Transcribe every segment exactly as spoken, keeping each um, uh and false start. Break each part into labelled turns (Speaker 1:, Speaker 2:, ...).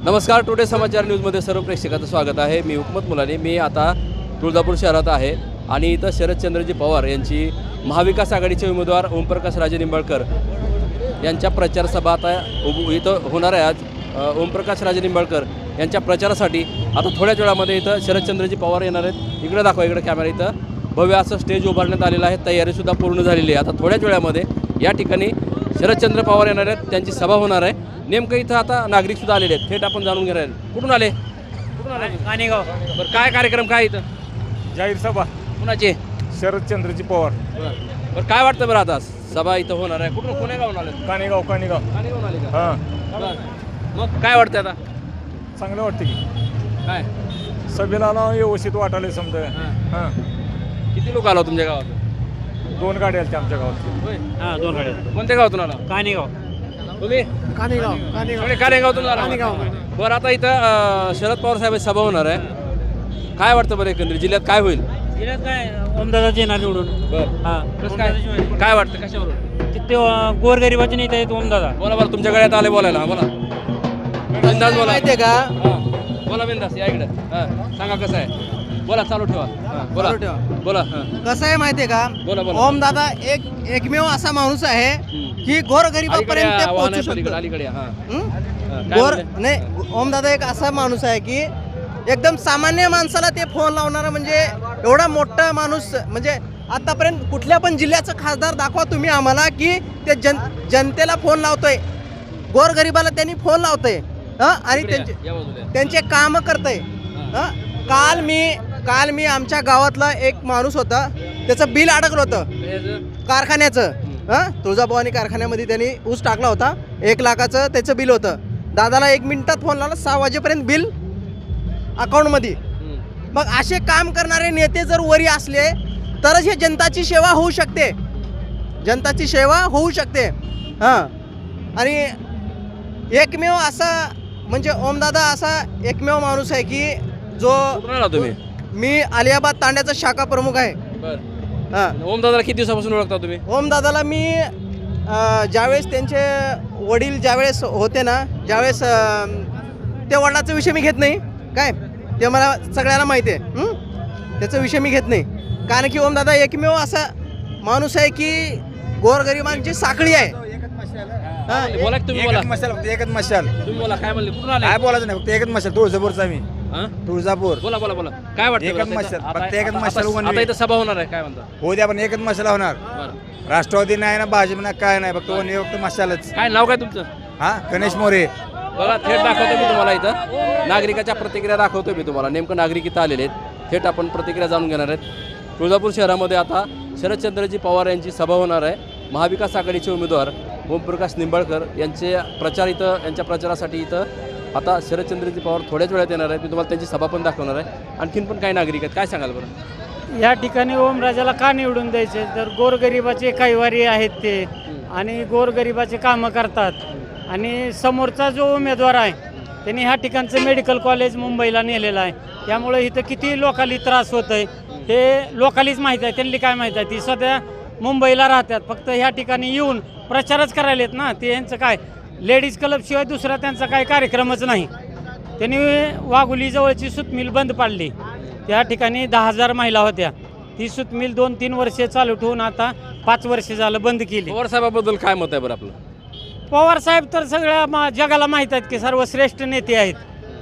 Speaker 1: नमस्कार, टुडे समाचार न्यूजमध्ये सर्व प्रेक्षकांचं स्वागत आहे. मी हुकमत मुलानी. मी आता तुळजापूर शहरात आहे आणि इथं शरदचंद्रजी पवार यांची महाविकास आघाडीचे उमेदवार ओमप्रकाश राजे निंबाळकर यांच्या प्रचार सभा आता इथं होणार आहे. आज ओमप्रकाश राजे निंबाळकर यांच्या प्रचारासाठी आता थोड्याच वेळामध्ये इथं शरदचंद्रजी पवार येणार आहेत. इकडे दाखवा, इकडे कॅमेरा. इथं भव्य असं स्टेज उभारण्यात आलेलं आहे. तयारीसुद्धा पूर्ण झालेली आहे. आता थोड्याच वेळामध्ये या ठिकाणी शरदचंद्र पवार येणार आहेत, त्यांची सभा होणार आहे. नेमकं इथं आता नागरिकसुद्धा आलेले आहेत. थेट आपण जाणून घेणार आहेत. कुठून आले? कुठून आले?
Speaker 2: कानेगाव.
Speaker 1: बरं, काय कार्यक्रम काय इथं?
Speaker 3: जाहीर सभा
Speaker 1: कुणाचे?
Speaker 3: शरदचंद्रजी पवार.
Speaker 1: बरं बरं, काय वाटतं बरं आता सभा इथं होणार आहे? कुठून कोण्या गावून आले?
Speaker 3: कानेगाव कानेगाव
Speaker 1: कानेगावून आले का?
Speaker 3: हां,
Speaker 1: बरं, मग काय वाटतं आता?
Speaker 3: चांगलं वाटतं की
Speaker 1: काय
Speaker 3: सभेला ना व्यवस्थित वाटायला समजा. हां,
Speaker 1: किती लोक आला तुमच्या गावात?
Speaker 3: दोन गाड्या आल्या आमच्या गावात.
Speaker 1: होय.
Speaker 2: हा दोन गाड्या.
Speaker 1: कोणत्या गावातून आला
Speaker 2: कानेगाव.
Speaker 1: तुम्ही?
Speaker 2: कानेगाव.
Speaker 1: सगळे कानेगावातून आला?
Speaker 2: कानेगाव.
Speaker 1: बरं, आता इथं अं, शरद पवार साहेबांची सभा होणार आहे. काय वाटतं बरं एकंदरीत जिल्ह्यात काय होईल?
Speaker 2: जिल्ह्यात काय ओमदादाचे येणार निवडून.
Speaker 1: बरं,
Speaker 2: हा
Speaker 1: कसं काय काय वाटतं कशावरून?
Speaker 2: ते गोरगरिबाचे नेते आहेत ओमदादा.
Speaker 1: बोला बरं, तुमच्या गळ्यात आले बोलायला. हा, बोला बिंदास बोला.
Speaker 4: माहितीये का?
Speaker 1: हां, बोला बिंदास. या इकडे. हां, सांगा कसं आहे. बोला, चालू ठेवा. हां, बोला
Speaker 4: चालू ठेवा.
Speaker 1: बोला. हां,
Speaker 4: कसं आहे माहितीये का?
Speaker 1: बोला बोला.
Speaker 4: ओम दादा एक एकमेव असा माणूस आहे
Speaker 1: हम्म.
Speaker 4: की गोरगरिबापर्यंत
Speaker 1: अलीकडे
Speaker 4: ते
Speaker 1: या, वाहन
Speaker 4: पोहोचू
Speaker 1: आहे पलीकडे,
Speaker 4: शकतो.
Speaker 1: अलीकडे या. हां.
Speaker 4: हं?
Speaker 1: हां, काय
Speaker 4: गोर
Speaker 1: म्हणते?
Speaker 4: नाही, ओम दादा एक असा माणूस आहे की एकदम सामान्य माणसाला ते फोन लावणारा, म्हणजे एवढा मोठा माणूस. म्हणजे आतापर्यंत कुठल्या पण जिल्ह्याचं खासदार दाखवा तुम्ही आम्हाला की ते जन जनतेला फोन लावतोय, गोरगरिबाला त्यांनी फोन लावतोय. हं? आणि
Speaker 1: इकडे या,
Speaker 4: त्यांचे
Speaker 1: या बाजूला या.
Speaker 4: त्यांचे काम करतंय. हं? काल मी काल मी आमच्या गावातला एक माणूस होता, त्याचं बिल अडकलं होतं
Speaker 1: हे जे-
Speaker 4: कारखान्याचं. हां, तुळजाभवानी कारखान्यामध्ये त्यांनी ऊस टाकला होता. एक लाखाचं त्याचं बिल होतं. दादाला एक मिनिटात फोन लावला, सहा वाजेपर्यंत बिल अकाउंटमध्ये.
Speaker 1: हं.
Speaker 4: मग असे काम करणारे नेते जर वरी असले तरच हे जनताची सेवा होऊ शकते. जनताची सेवा होऊ शकते. हां, आणि एकमेव असा म्हणजे ओमदादा असा एकमेव माणूस आहे की जो,
Speaker 1: कुठून आला तुम्ही?
Speaker 4: मी अलियाबाद तांड्याचा शाखा प्रमुख आहे.
Speaker 1: बरं.
Speaker 4: हां,
Speaker 1: ओम दादाला किती दिवसापासून ओळखता तुम्ही?
Speaker 4: ओमदादाला मी अ, ज्यावेळेस त्यांचे वडील ज्यावेळेस होते ना, ज्यावेळेस अ, त्या वडिलाचा विषय मी घेत नाही. काय ते मला सगळ्याला माहिती आहे. हं? त्याचा विषय मी घेत नाही, कारण की ओमदादा एकमेव असा माणूस आहे की गोरगरिबांची साखळी आहे. हां,
Speaker 1: बोला की तुम्ही. बोला
Speaker 3: एकच मशाल, फक्त एकच मशाल.
Speaker 1: तुम्ही बोला. काय म्हणले? कुठून आले?
Speaker 3: काय बोलायचं नाही, फक्त एकच मशाल. तुळजापूरचा मी.
Speaker 1: हां?
Speaker 3: तुळजापूर.
Speaker 1: बोला बोला बोला. काय वाटतं
Speaker 3: एकच
Speaker 1: बरं आता
Speaker 3: मशाल,
Speaker 1: इथं? आता-
Speaker 3: फक्त एकच
Speaker 1: आता-
Speaker 3: मशाल
Speaker 1: आता-
Speaker 3: उभं
Speaker 1: आता
Speaker 3: नाही.
Speaker 1: इथं सभा होणार आहे. काय म्हणता?
Speaker 3: हो द्या, पण एकच मशाल होणार.
Speaker 1: बरं.
Speaker 3: राष्ट्रवादी नाही ना, भाजप नाही, काय नाही, फक्त वन फक्त मशालच.
Speaker 1: काय नाव काय तुमचं?
Speaker 3: हा, गणेश मोरे.
Speaker 1: बघा, थेट दाखवतो मी तुम्हाला इथं. नागरिकाच्या प्रतिक्रिया दाखवतो मी तुम्हाला. नेमकं नागरिक इथं आलेले आहेत. थेट आपण प्रतिक्रिया जाणून घेणार आहेत. तुळजापूर शहरामध्ये आता शरदचंद्रजी पवार यांची सभा होणार आहे. महाविकास आघाडीचे उमेदवार ओमप्रकाश निंबाळकर यांचे प्रचार इथं, यांच्या प्रचारासाठी इथं आता शरदचंद्रजी पवार थोड्याच वेळात येणार आहेत. मी तुम्हाला त्यांची सभा पण दाखवणार आहे. आणखीन पण काही नागरिक आहेत. काय सांगाल बरं?
Speaker 2: या ठिकाणी ओमराजाला का निवडून द्यायचे? तर गोरगरिबाचे कैवारी आहेत ते, आणि गोरगरिबाचे कामं करतात. आणि समोरचा जो उमेदवार आहे त्यांनी ह्या ठिकाणचं मेडिकल कॉलेज मुंबईला नेलेलं आहे. त्यामुळे इथं किती लोकांना त्रास होत आहे हे लोकांनीच माहीत आहे. त्यांनी काय माहीत आहे? ती सध्या मुंबईला राहतात, फक्त ह्या ठिकाणी येऊन प्रचारच करायला आहेत ना. ते यांचं काय लेडीज क्लबशिवाय दुसरा त्यांचा काही कार्यक्रमच नाही. त्यांनी वाघुलीजवळची सूतमिल बंद पाडली. त्या ठिकाणी दहा हजार महिला होत्या. ती सूतमिल दोन तीन वर्षे चालू ठेवून आता पाच वर्ष झालं बंद केली.
Speaker 1: पवार साहेबाबद्दल काय मत आहे बरं आपलं?
Speaker 2: पवार साहेब तर सगळ्या मा जगाला माहीत आहेत की सर्वश्रेष्ठ नेते आहेत.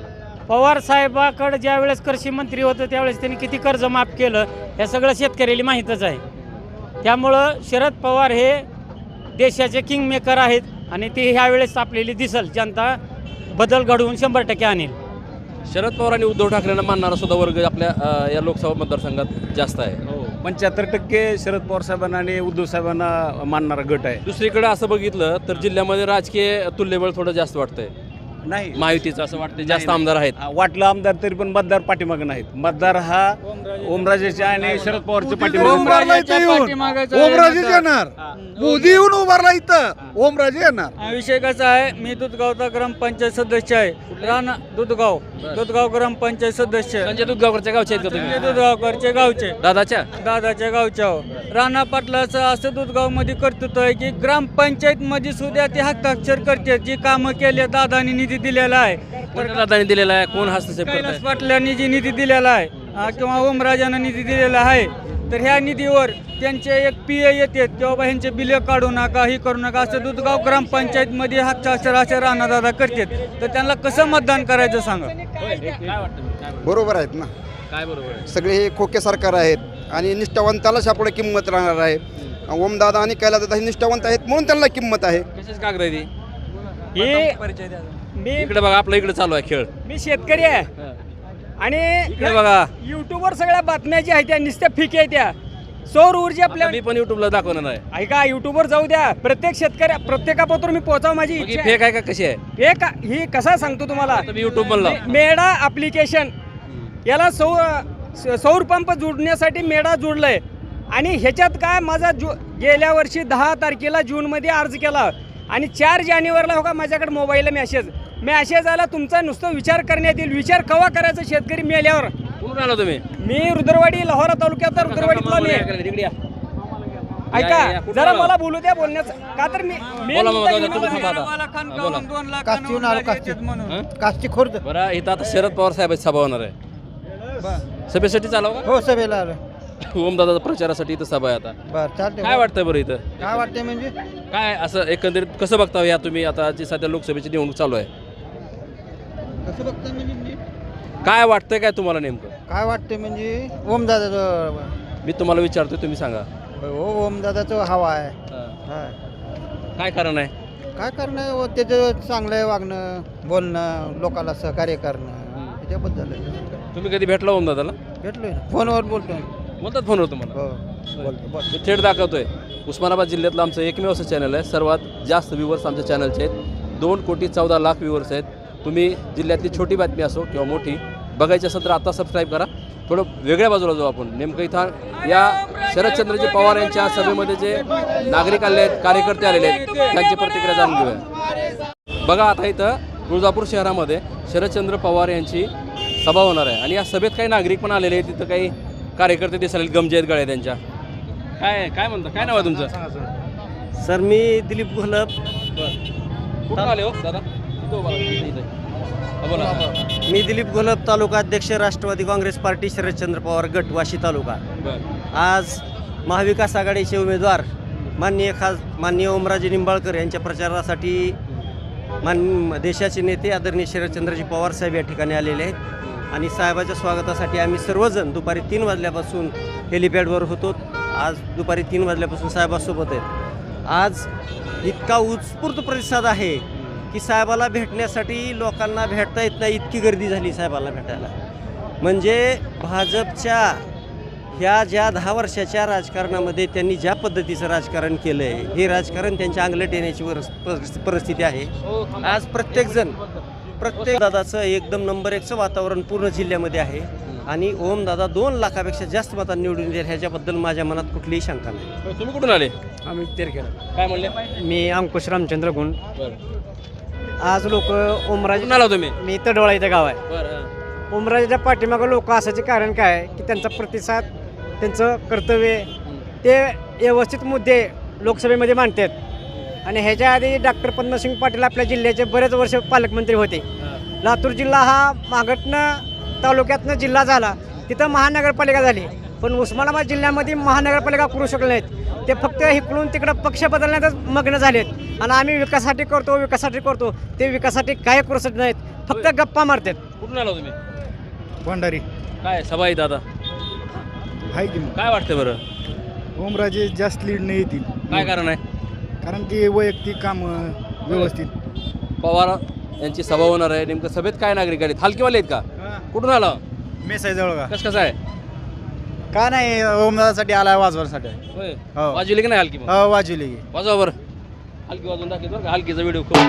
Speaker 2: पवार साहेबाकडे ज्या वेळेस कृषी मंत्री होतं त्यावेळेस त्यांनी किती कर्ज माफ केलं हे सगळं शेतकऱ्याला माहीतच आहे. त्यामुळं शरद पवार हे देशाचे किंग मेकर आहेत आणि ते ह्यावेळेस आपल्याला दिसल. जनता बदल घडवून शंभर टक्के आणेल.
Speaker 1: शरद पवार आणि उद्धव ठाकरेंना मानणारा सुद्धा वर्ग आपल्या अ, या लोकसभा मतदारसंघात जास्त आहे.
Speaker 5: पंच्याहत्तर टक्के शरद पवार साहेबांना आणि उद्धव साहेबांना मानणारा गट आहे.
Speaker 1: दुसरीकडे असं बघितलं तर जिल्ह्यामध्ये राजकीय तुल्यबळ थोडं जास्त वाटतंय.
Speaker 5: नाही
Speaker 1: महायुतीचं असं वाटतं जास्त
Speaker 5: नाही.
Speaker 1: आमदार आहेत.
Speaker 5: वाटलं आमदार तरी पण मतदार पाठीमागे नाहीत. मतदार हा ओमराजेचे आणि शरद पवारचे पाठीमागे.
Speaker 6: ओमराजे येणार, मोदी येऊन उभारला इथं, ओमराजे येणार.
Speaker 2: विषय कसा आहे, मी दुधगावचा ग्रामपंचायत सदस्य आहे. राणा दुधगाव दुधगाव ग्रामपंचायत सदस्य.
Speaker 1: संजय दुधगावकरच्या गावचे आहेत का तुम्ही?
Speaker 2: दुधगावकरचे गावचे
Speaker 1: दादाच्या?
Speaker 2: दादाच्या गावच्या हो. राणा पाटलाचं असं दुधगावमध्ये कर्तृत्व आहे की ग्रामपंचायत मध्ये सुद्धा ते हस्ताक्षर करते. जी कामं केले दादानी निधी निधी दिलेला आहे
Speaker 1: कोणत्या दादाने दिलेला आहे? कोण हस्तक्षेप करताय?
Speaker 2: कैलास पाटलांनी जी निधी दिलेला आहे अ, किंवा ओमराजानं निधी दिलेला आहे तर ह्या निधीवर त्यांचे एक पी ए येते किंवा बा ह्यांचे बिले काढू नका ही करू नका असं दुधगाव ग्रामपंचायतमध्ये हस्ताक्षर असे राणादादा करतात तर त्यांना कसं मतदान करायचं सांगा.
Speaker 1: होय, काय वाटतं? काय बरोबर?
Speaker 7: बरोबर आहेत ना.
Speaker 1: काय बरोबर आहे?
Speaker 7: सगळे हे खोके सरकार आहेत आणि निष्ठावंतालाच यापुढे किंमत राहणार आहे. ओमदादा आणि कैलासदादा हे निष्ठावंत आहेत म्हणून त्यांना किंमत आहे.
Speaker 1: कशाच कागद आहे ती?
Speaker 2: हे मी
Speaker 1: इकडे बघा, आपला इकडे चालू आहे खेळ.
Speaker 2: मी शेतकरी आहे
Speaker 1: हा.
Speaker 2: आणि
Speaker 1: इकडे बघा,
Speaker 2: युट्यूबवर सगळ्या बातम्या ज्या आहेत त्या नुसत्या फिक आहे त्या सौर ऊर्जा आपल्या
Speaker 1: आता मी पण युट्यूबला दाखवणार आहे.
Speaker 2: ऐका युट्यूबवर जाऊ द्या प्रत्येक शेतकऱ्या प्रत्येकापत्र मी पोहोचाव माझी
Speaker 1: मग ही
Speaker 2: इच्छा
Speaker 1: फेक आहे का कशी आहे?
Speaker 2: आहे. हे का ही कसा सांगतो तुम्हाला
Speaker 1: आता मी युट्यूब म्हणला.
Speaker 2: मे- मेडा ॲप्लिकेशन याला सौ स- सौर पंप जोडण्यासाठी मेडा जोडलंय आणि ह्याच्यात काय माझा जु गेल्या वर्षी दहा तारखेला जूनमध्ये अर्ज केला आणि चार जानेवारीला हो का माझ्याकडे मोबाईलला मेसेज मेसेज आला तुमचा नुसतं विचार करण्यात येईल. विचार केव्हा करायचा शेतकरी मेल्यावर.
Speaker 1: कुठून आला तुम्ही?
Speaker 2: मी रुद्रवाडी लाहोरा तालुक्याचा रुद्रवाडीतला मी
Speaker 1: इकडे या. या,
Speaker 2: ऐका
Speaker 1: या, कुठून
Speaker 2: जरा
Speaker 1: आला?
Speaker 2: मला बोलू द्या बोलण्याचं का तर मी मी
Speaker 1: बोला मग,
Speaker 2: मुद्दा
Speaker 1: बोला,
Speaker 2: घेऊन
Speaker 1: तुम्ही
Speaker 2: आलो.
Speaker 1: थांबा आता. हा, बोला.
Speaker 6: काष्टीहून आलो, काष्टी.
Speaker 1: हं?
Speaker 6: काष्टी खुर्द.
Speaker 1: बरं, इथं आता शरद पवार साहेबांची सभा होणार आहे. सभेसाठी चालव
Speaker 6: हो सभेला आलो.
Speaker 1: का? ओमदादा प्रचारासाठी इथं सभा आहे आता.
Speaker 6: बरं चालते.
Speaker 1: काय वाटतंय बरं इथं?
Speaker 6: काय वाटते म्हणजे
Speaker 1: काय असं एकंदरीत कसं बघता या तुम्ही आता जी सध्या लोकसभेची निवडणूक चालू आहे?
Speaker 6: कसं बघता म्हणजे
Speaker 1: काय वाटतंय काय तुम्हाला नेमकं?
Speaker 6: काय वाटते म्हणजे ओमदादाचं
Speaker 1: मी तुम्हाला विचारतोय, तुम्ही सांगा.
Speaker 6: हो ओमदादाचं हवा आहे.
Speaker 1: हं.
Speaker 6: हा.
Speaker 1: काय कारण आहे?
Speaker 6: काय करणं व त्याचं चांगलं वागणं बोलणं लोकांना सहकार्य करणं त्याच्याबद्दल आहे.
Speaker 1: तुम्ही कधी भेटला ओमदादाला?
Speaker 6: भेटलोय ना फोनवर बोलतोय.
Speaker 1: बोलतात फोनवर तुम्हाला?
Speaker 6: हो बोलतो बोल
Speaker 1: मी थेट दाखवतोय. उस्मानाबाद जिल्ह्यातलं आमचं एकमेव असं चॅनल आहे. सर्वात जास्त व्ह्यूवर्स आमच्या चॅनलचे आहेत. दोन कोटी चौदा लाख व्ह्यूवर्स आहेत. तुम्ही जिल्ह्यातली छोटी बातमी असो किंवा मोठी बघायची असेल तर आता सबस्क्राईब करा. थोडं वेगळ्या बाजूला जाऊ आपण. नेमकं इथं या शरदचंद्रजी पवार यांच्या सभेमध्ये जे नागरिक आले आहेत, कार्यकर्ते आलेले आहेत, त्यांची प्रतिक्रिया जाणून घेऊया. बघा, आता इथं तुळजापूर शहरामध्ये शरदचंद्र पवार यांची सभा होणार आहे आणि या सभेत काही नागरिक पण आलेले आहेत. तिथं काही कार्यकर्ते दिसले, गमजे आहेत गळे त्यांच्या. काय काय म्हणता? काय नाव आहे तुमचं?
Speaker 8: सर मी दिलीप घोलप.
Speaker 1: कुठं आले हो दादा? इथं उभा राहा, इथं, इथं. हा, बोला.
Speaker 8: मी दिलीप घोलप तालुका अध्यक्ष राष्ट्रवादी काँग्रेस पार्टी शरदचंद्र पवार गट वाशी तालुका.
Speaker 1: बरं.
Speaker 8: आज महाविकास आघाडीचे उमेदवार माननीय खास माननीय ओमराजे निंबाळकर यांच्या प्रचारासाठी मान देशाचे नेते आदरणीय शरदचंद्रजी पवार साहेब या ठिकाणी आलेले आहेत आणि साहेबाच्या स्वागतासाठी आम्ही सर्वजण दुपारी तीन वाजल्यापासून हेलिपॅडवर होतो. आज दुपारी तीन वाजल्यापासून साहेबासोबत आहेत. आज इतका उत्स्फूर्त प्रतिसाद आहे की साहेबाला भेटण्यासाठी लोकांना भेटता येत नाही, इतकी गर्दी झाली साहेबाला भेटायला. म्हणजे भाजपच्या ह्या ज्या दहा वर्षाच्या राजकारणामध्ये त्यांनी ज्या पद्धतीचं राजकारण केलं आहे, हे राजकारण त्यांच्या अंगलट येण्याची वर परिस्थिती आहे. आज प्रत्येकजण प्रत्येक दादाचं एकदम नंबर एकचं वातावरण पूर्ण जिल्ह्यामध्ये आहे आणि ओमदादा दोन लाखापेक्षा जास्त मतांनी निवडून येईल ह्याच्याबद्दल माझ्या मनात कुठलीही शंका नाही.
Speaker 1: तुम्ही कुठून आले?
Speaker 2: आम्ही तेरखेड.
Speaker 1: काय म्हणले?
Speaker 2: मी अंकुश रामचंद्र गुण.
Speaker 1: बरं.
Speaker 2: आज लोक ओमराजे
Speaker 1: कुठून आला तुम्ही?
Speaker 2: मी तडोळा इथं गाव आहे.
Speaker 1: बरं.
Speaker 2: ओमराजेच्या पाठीमागं लोक असायचे कारण काय आहे की त्यांचा प्रतिसाद त्यांचं कर्तव्य ते व्यवस्थित मुद्दे लोकसभेमध्ये मांडतात आणि ह्याच्या आधी डॉक्टर पद्मसिंग पाटील आपल्या जिल्ह्याचे बरेच वर्ष पालकमंत्री होते. लातूर जिल्हा हा मागटनं तालुक्यातनं जिल्हा झाला, तिथं महानगरपालिका झाली, पण उस्मानाबाद जिल्ह्यामध्ये महानगरपालिका करू शकले नाहीत. ते फक्त इकडून तिकडं पक्ष बदलण्यातच मग्न झालेत आणि आम्ही विकासासाठी करतो विकासासाठी करतो ते विकासासाठी काय करू शकत नाहीत, फक्त गप्पा मारतात.
Speaker 1: कुठून आला तुम्ही?
Speaker 6: भंडारी
Speaker 1: काय सभा आहे दादा?
Speaker 6: आहे की
Speaker 1: काय वाटतं बरं?
Speaker 6: ओमराजे जास्त लीड नाही येतील
Speaker 1: काय कारण आहे?
Speaker 6: कारण की वैयक्तिक काम व्यवस्थित.
Speaker 1: पवार यांची सभा होणार आहे. नेमकं सभेत काय नागरिक आले? हलकीवाले आहेत का? कुठून आला?
Speaker 6: मेसाई जवळ का
Speaker 1: कसं कसं आहे?
Speaker 6: काय नाही ओमदादासाठी आलाय वाजवासाठी.
Speaker 1: होय.
Speaker 6: हो.
Speaker 1: वाजवली की नाही हलकी? मग
Speaker 6: हो वाजवली.
Speaker 1: वाजवा बरं. हलकी वाजवून दाखवतो बरं का? हलकीचा व्हिडिओ खूप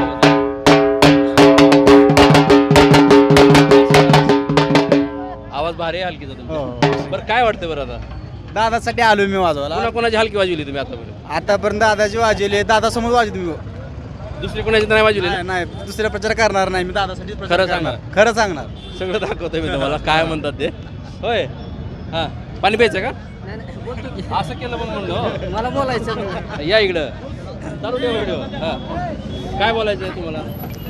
Speaker 1: आवाज भारी आहे हलकीचा तुमचा. बरं, काय वाटतं बरं आता?
Speaker 6: दादासाठी आलो मी वाजवायला.
Speaker 1: कोणा कोणाची हलकी वाजवली तुम्ही आतापर्यंत?
Speaker 6: आतापर्यंत दादाची वाजवली, दादा समोर वाजवली मी.
Speaker 1: दुसरी कोणाची तर नाही वाजवली ना?
Speaker 6: नाही दुसरा प्रचार करणार नाही मी, दादासाठी
Speaker 1: खरं सांगणार?
Speaker 6: खरं सांगणार.
Speaker 1: सगळं दाखवतोय मी तुम्हाला काय म्हणतात ते. होय. हां, पाणी प्यायचं का? असं केलं पण म्हणलं.
Speaker 2: मला बोलायचं
Speaker 1: या इकडं चालू ठेवा व्हिडिओ. हां, काय बोलायचं आहे तुम्हाला?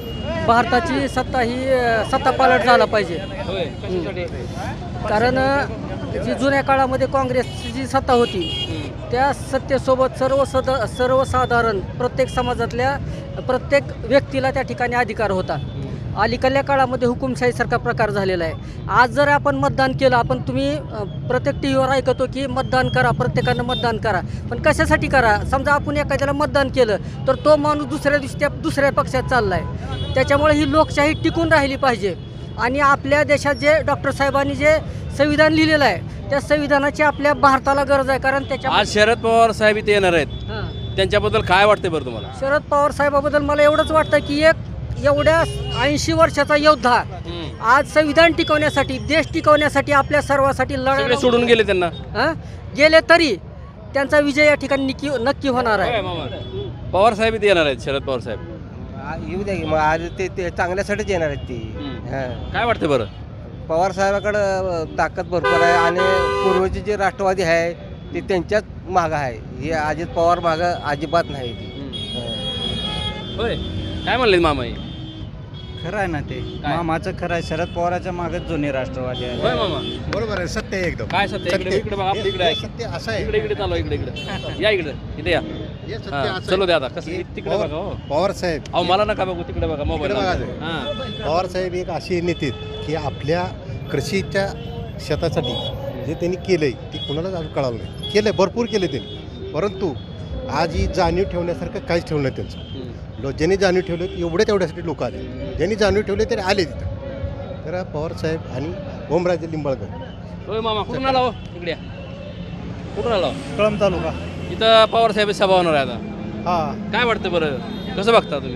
Speaker 9: भारताची सत्ता ही अ, सत्ता पालट झाला पाहिजे.
Speaker 1: होय कशासाठी?
Speaker 9: कारण अ, जी जुन्या काळामध्ये काँग्रेसची जी सत्ता होती त्या सत्तेसोबत सर्व सद सर्वसाधारण प्रत्येक समाजातल्या प्रत्येक व्यक्तीला त्या ठिकाणी अधिकार होता. अलीकडल्या काळामध्ये हुकुमशाहीसारखा प्रकार झालेला आहे. आज जर आपण मतदान केलं, आपण तुम्ही अ, प्रत्येक टी व्हीवर ऐकतो की मतदान करा, प्रत्येकानं मतदान करा, पण कशासाठी करा? समजा आपण एखाद्याला मतदान केलं तर तो माणूस दुसऱ्या दिवशी त्या दुसऱ्या पक्षात चालला आहे. त्याच्यामुळे ही लोकशाही टिकून राहिली पाहिजे. आणि आपल्या देशात जे डॉक्टर साहेबांनी जे संविधान लिहिलेलं आहे त्या संविधानाची आपल्या भारताला गरज आहे. कारण त्याच्या
Speaker 1: आज शरद पवार साहेब इथे येणार आहेत,
Speaker 9: हां.
Speaker 1: त्यांच्याबद्दल काय वाटते बरं तुम्हाला?
Speaker 9: शरद पवार साहेबाबद्दल मला एवढंच वाटतं की एक एवढ्या ऐंशी वर्षाचा योद्धा आज संविधान टिकवण्यासाठी, देश टिकवण्यासाठी, आपल्या सर्वांसाठी
Speaker 1: सगळे
Speaker 9: लढा
Speaker 1: सोडून गेले त्यांना.
Speaker 9: हं? गेले तरी त्यांचा विजय या ठिकाणी नक्की नक्की होणार आहे.
Speaker 1: होय मामा. पवार साहेब इथे येणार आहेत, शरद पवार साहेब.
Speaker 8: येऊ द्या की मग आज ते ते चांगल्यासाठीच येणार आहेत ती.
Speaker 1: काय वाटते बरं?
Speaker 8: पवार साहेबाकडं ताकद भरपूर आहे आणि पूर्वचे जे राष्ट्रवादी आहे ते त्यांच्याच मागं आहे. हे अजित पवार मागं अजिबात नाही ती.
Speaker 1: होय काय म्हणले मामा? हे?
Speaker 6: खरं आहे ना ते मामाचं खरं आहे. शरद पवाराच्या मागच जुने राष्ट्रवादी आहे.
Speaker 1: होय मामा.
Speaker 10: बरोबर आहे, सत्य आहे एकदम.
Speaker 1: काय सत्य? इकडे इकडे बघा, आपल्या इकडे आहे.
Speaker 10: सत्य असं आहे.
Speaker 1: इकडे इकडे चालू इकडे इकडे या इकडे इथे या.
Speaker 10: हे सत्य
Speaker 1: हां,
Speaker 10: असं
Speaker 1: चलो
Speaker 10: आहे.
Speaker 1: द्या आता कसं
Speaker 10: हे
Speaker 1: तिकडे
Speaker 10: पवार-
Speaker 1: बघा. हो
Speaker 10: पवार साहेब
Speaker 1: अहो मला नका बघू, तिकडे बघा मोबाईल.
Speaker 10: तिकडे बघा.
Speaker 1: हां
Speaker 10: पवार साहेब एक अशी नेते आहेत की आपल्या कृषीच्या शेतासाठी जे त्यांनी केलंय ते कुणालाच अजून कळालं नाही. केलंय, भरपूर केले त्यांनी, परंतु आज ही जाणीव ठेवण्यासारखं काहीच ठेवलं नाही त्यांचं. लो ज्यांनी जाणीव ठेवलं एवढे तेवढ्यासाठी लोक आले, ज्यांनी जाणीव ठेवले तरी आले तिथं. तर पवार साहेब आणि ओमराजे लिंबाळकर.
Speaker 1: होय मामा कुठून आला? हो इकडे या. कुठून आला?
Speaker 6: कळंब तालुका.
Speaker 1: इथं पवार साहेब सभा होणार आहे आता.
Speaker 6: हा
Speaker 1: काय वाटतं बरं? कसं बघता तुम्ही?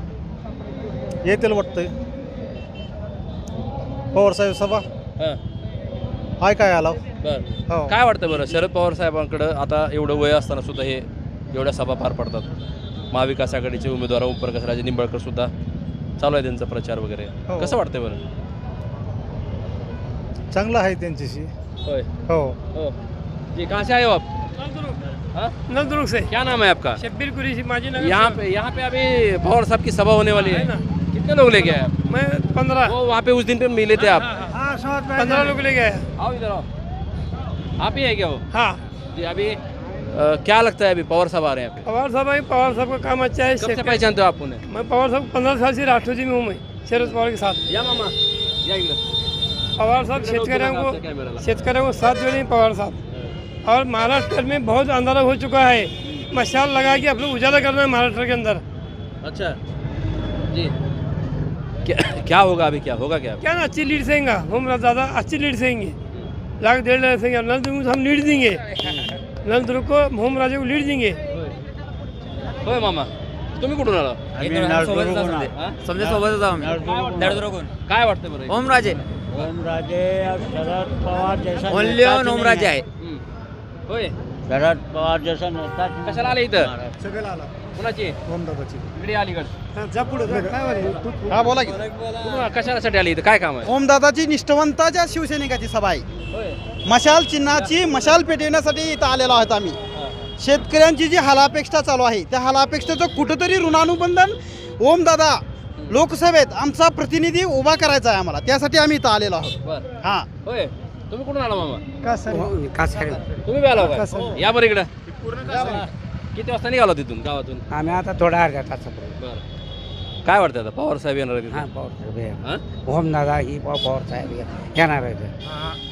Speaker 6: येतील वाटतंय पवार साहेब सभा.
Speaker 1: हां
Speaker 6: हाय काय आला
Speaker 1: बरं.
Speaker 6: हो.
Speaker 1: काय वाटतं बरं? शरद पवार साहेबांकडं आता एवढं वय असताना सुद्धा हे एवढ्या सभा पार पडतात. महाविकास आघाडीचे उमेदवार ओमप्रकाश राजे निंबाळकर सुद्धा चालू आहे त्यांचा प्रचार वगैरे.
Speaker 6: हो.
Speaker 1: कसं वाटतं बरं?
Speaker 6: चांगलं आहे त्यांच्याशी.
Speaker 1: होय
Speaker 6: हो.
Speaker 1: हो जी. कहाँ से आए हो आप? हाँ?
Speaker 2: नलदुर्ग से
Speaker 1: क्या नाम है आपका?
Speaker 2: शब्बीर कुरैशी माजी नगर
Speaker 1: यहाँ पे यहाँ पे अभी पवार साहब की सभा होने वाली है. कितने लोग लेके आए आप?
Speaker 2: मैं पंद्रह
Speaker 1: वो वहाँ पे उस दिन पे मिले थे आप.
Speaker 2: पंद्रह लोग ले गए.
Speaker 1: आओ इधर आओ. आप ही है क्या वो?
Speaker 2: हाँ
Speaker 1: जी. अभी अ, क्या लगता है अभी पवार साहब आ रहे हैं यहाँ पे?
Speaker 2: पवार साहब है. पवार साहब का काम अच्छा है.
Speaker 1: कब से पहचानते हो आप उन्हें?
Speaker 2: मैं पवार साहब पंद्रह साल से राष्ट्रवादी में हूँ. मैं शरद पवार के साथ.
Speaker 1: या मामा या इकडं.
Speaker 2: पवार साहब शेतकऱ्यांको शेतकऱ्यांको साथ दे रहे हैं पवार साहब. और महाराष्ट्र में बहुत अंधारा हो चुका है. मशाल लगा के अपने उजाला करना है महाराष्ट्र के अंदर.
Speaker 1: अच्छा जी. क्या क्या होगा अभी? क्या होगा क्या?
Speaker 2: क्या ना अच्छी लीड सेंगे हम ज़्यादा अच्छी लीड सेंगे. लाख डेढ़ लाख सेंगे. नलदुर्ग को हम लीड देंगे. नलदुर्ग को होम राजे को लीड देंगे.
Speaker 1: होय मामा. तुम्ही कुठून आला?
Speaker 9: समजा सोबतच आहोत.
Speaker 1: काय वाटतं बरं?
Speaker 9: ओमराजे
Speaker 6: ओमराजे शरद पवार जैसा
Speaker 9: ओनली ऑन ओमराजे आहे.
Speaker 1: हम्म. होय
Speaker 6: शरद पवार जैसा नेता
Speaker 1: कशाला आले इथं?
Speaker 6: सगळ्याला आला.
Speaker 1: कुणाची?
Speaker 6: ओमदादाची.
Speaker 1: इकडे अलीगड.
Speaker 6: जा पुढे काय
Speaker 10: हा बोला की.
Speaker 1: कुणा- कशासाठी आले इथं? काय काम आहे?
Speaker 6: ओमदादाची निष्ठावंताच्या शिवसैनिकाची सभा आहे.
Speaker 1: होय
Speaker 6: मशाल चिन्हाची मशाल पेटवण्यासाठी इथं आलेलो आहोत आम्ही. शेतकऱ्यांची जी हालापेक्षा चालू आहे त्या हालापेक्षेचं कुठंतरी ऋणानुबंधन ओमदादा लोकसभेत आमचा प्रतिनिधी उभा करायचा आहे आम्हाला. त्यासाठी आम्ही इथं आलेलो आहोत.
Speaker 1: बर.
Speaker 6: हां.
Speaker 1: होय तुम्ही कुठून आला मामा?
Speaker 6: का सर
Speaker 1: तुम्ही बी आला का? या बरं इकडं. किती वाजता निघालो तिथून गावातून?
Speaker 6: आम्ही आता थोडा अर्ध्या तासापूर्वी.
Speaker 1: बरं. काय वाटतं आता पवार साहेब येणार आहेत
Speaker 6: हां
Speaker 1: इथं?
Speaker 6: पवार साहेब
Speaker 1: हां?
Speaker 6: ओमदादा ही पवार साहेब येणार आहे.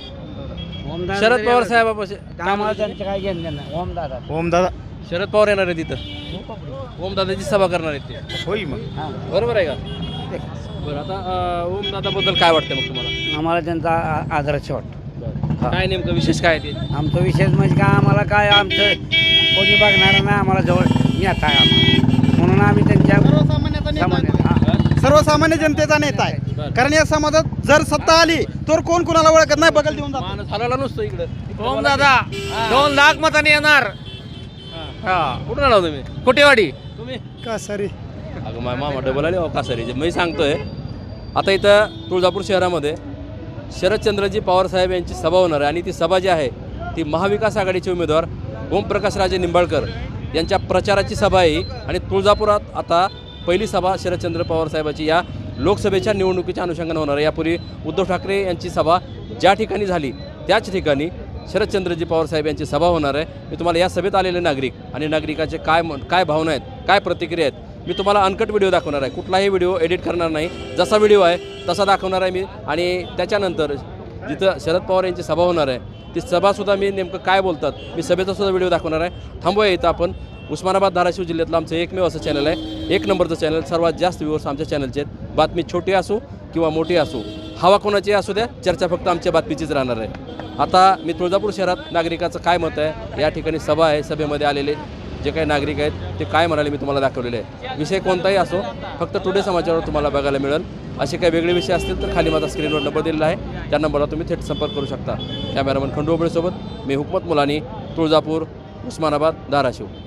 Speaker 1: शरद पवार साहेबापाशी
Speaker 6: आम्हाला त्यांचं काय घेणं देणं नाही. ओमदादा
Speaker 10: ओमदादा
Speaker 1: शरद पवार येणार आहेत तिथं. ओमदादाची सभा करणार आहेत ते.
Speaker 10: होईल मग.
Speaker 1: बरोबर आहे का? बरं. आता अं, ओमदादाबद्दल काय वाटतं मग तुम्हाला?
Speaker 6: आम्हाला त्यांचा आ- आदर्श वाटतो.
Speaker 1: काय नेमकं विशेष काय आहे ते?
Speaker 6: आमचं विशेष म्हणजे काय आम्हाला काय आमचं कोणी बघणार नाही. आम्हाला जवळ नेता आहे आम्हाला. म्हणून आम्ही त्यांच्या सामान्य सर्वसामान्य जनतेचा नेता आहे. कारण या समाजात जर सत्ता आली तर कोण कोणाला ओळखत नाही. बगल देऊन जातो.
Speaker 1: माणूस हलाला नसतो इकडं.
Speaker 9: ओमदादा दोन लाख मतांनी येणार.
Speaker 1: कुठून आला तुम्ही?
Speaker 9: कुटेवाडी.
Speaker 1: तुम्ही?
Speaker 6: का सरी
Speaker 1: अगं माझ्या मामा डबल आले का सरी मी सांगतोय. आता इथं तुळजापूर शहरामध्ये शरदचंद्रजी पवार साहेब यांची सभा होणार आहे आणि ती सभा जी आहे ती महाविकास आघाडीचे उमेदवार ओमप्रकाश राजे निंबाळकर यांच्या प्रचाराची सभा आहे. आणि तुळजापुरात आता पहिली सभा शरदचंद्र पवार साहेबांची या लोकसभेच्या निवडणुकीच्या अनुषंगाने होणार आहे. यापूर्वी उद्धव ठाकरे यांची सभा ज्या ठिकाणी झाली त्याच ठिकाणी शरदचंद्रजी पवार साहेब यांची सभा होणार आहे. मी तुम्हाला या सभेत आलेले नागरिक आणि नागरिकाचे काय म काय भावना आहेत, काय प्रतिक्रिया आहेत, मी तुम्हाला अनकट व्हिडिओ दाखवणार आहे. कुठलाही व्हिडिओ एडिट करणार नाही, जसा व्हिडिओ आहे तसा दाखवणार आहे मी. आणि त्याच्यानंतर जिथं शरद पवार यांची सभा होणार आहे ती सभासुद्धा मी नेमकं काय बोलतात मी सभेचासुद्धा व्हिडिओ दाखवणार आहे. थांबूया इथं आपण. उस्मानाबाद धाराशिव जिल्ह्यातलं आमचं एकमेव असं चॅनल आहे, एक नंबरचं चॅनल. सर्वात जास्त व्ह्यूअर्स आमच्या चॅनलचे आहेत. बातमी छोटी असो किंवा मोठी असो, हवा कोणाची असू द्या, चर्चा फक्त आमच्या बातमीचीच राहणार आहे. आता मी तुळजापूर शहरात नागरिकाचं काय मत आहे, या ठिकाणी सभा आहे, सभेमध्ये आलेले जे काही नागरिक आहेत ते काय म्हणाले मी तुम्हाला दाखवलेले आहे. विषय कोणताही असो, फक्त टुडे समाचारवर तुम्हाला बघायला मिळेल. असे काही वेगळे विषय असतील तर खाली माझा स्क्रीनवर नंबर दिलेला आहे, त्या नंबरला तुम्ही थेट संपर्क करू शकता. कॅमेरामन खंडू ओबळेसोबत मी हुकमत मुलानी, तुळजापूर, उस्मानाबाद, धाराशिव.